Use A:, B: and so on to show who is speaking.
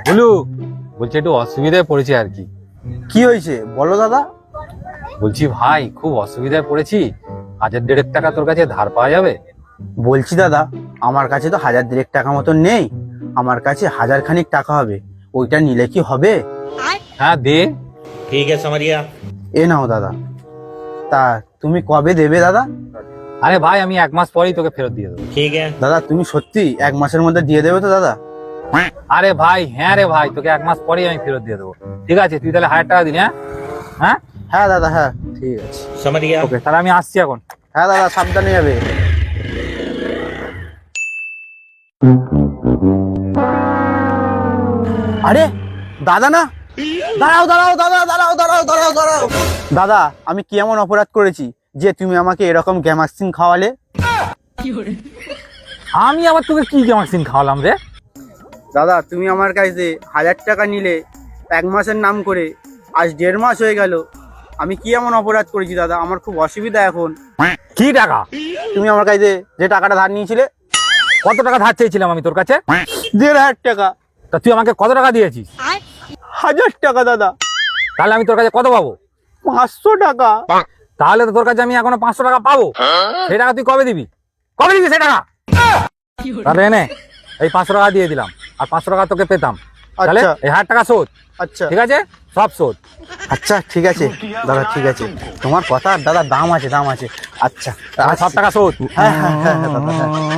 A: বলু, বলছি একটু অসুবিধায় পড়েছি আর কি।
B: কি হয়েছে বলো দাদা।
A: বলছি ভাই, খুব অসুবিধায় পড়েছি, 1,500 তোর কাছে ধার পাওয়া যাবে?
B: বলছি দাদা, আমার কাছে তো 1,000 মতন নেই, আমার কাছে 1,000 খানিক টাকা হবে, ওইটা নিলে কি হবে?
A: হ্যাঁ দে।
C: ठीक है समरिया।
B: এ নাও দাদা। তা তুমি কবে দেবে দাদা?
A: আরে ভাই, আমি 1 মাস পরেই তোকে ফেরত দিয়ে দেবো।
C: ठीक है।
B: দাদা তুমি সত্যি 1 মাসের মধ্যে দিয়ে দেবে তো দাদা?
A: আরে ভাই, হ্যাঁ রে ভাই, তোকে 1 মাস পরেই আমি ফেরত দিয়ে দেবো। ঠিক আছে, তুই তাহলে 1,000 টাকা দিন। হ্যাঁ হ্যাঁ
B: হ্যাঁ দাদা, হ্যাঁ ঠিক আছে।
C: समरिया।
A: ওকে, তাহলে আমি আসছি এখন।
B: হ্যাঁ দাদা, সাবধানে যাবে। আরে দাদা না, দাঁড়াও দাঁড়াও দাদা, দাঁড়াও দাঁড়াও দাঁড়াও দাঁড়াও। দাদা, আমি কি এমন অপরাধ করেছি যে তুমি আমাকে এরকম গ্যামাক্সিন খাওয়ালে?
A: আমি আবার তোকে কি গ্যামাক্সিন খাওয়ালাম রে?
B: দাদা, তুমি আমার কাছে 1,000 টাকা নিলে 1 মাসের নাম করে, আজ 1.5 মাস হয়ে গেল। আমি কি এমন অপরাধ করেছি দাদা? আমার খুব অসুবিধা এখন।
A: কি টাকা?
B: তুমি আমার কাছে যে টাকাটা ধার নিয়েছিলে,
A: কত টাকা ধার চেয়েছিলাম আমি তোর কাছে?
B: 1,500 টাকা।
A: তা তুই আমাকে কত টাকা দিয়েছিস?
B: 1,000 টাকা দাদা।
A: তাহলে আমি তোর কাছে কত পাবো?
B: 500 টাকা।
A: তাহলে তো তোর কাছে আমি এখনো 500 টাকা পাবো। সেই টাকা তুই কবে দিবি? কবে দিবি সেই টাকা? তাহলে এনে এই 500 টাকা দিয়ে দিলাম, আর 500 টাকা তোকে পেতাম। তাহলে
B: আচ্ছা।
A: এই 1,000 টাকা শোধ।
B: আচ্ছা
A: ঠিক আছে, সব শোধ।
B: আচ্ছা, ঠিক আছে দাদা, ঠিক আছে। তোমার কথা দাদা, দাম আছে, দাম আছে। আচ্ছা
A: সব টাকা শোধ।
B: হ্যাঁ হ্যাঁ হ্যাঁ হ্যাঁ দাদা, হ্যাঁ।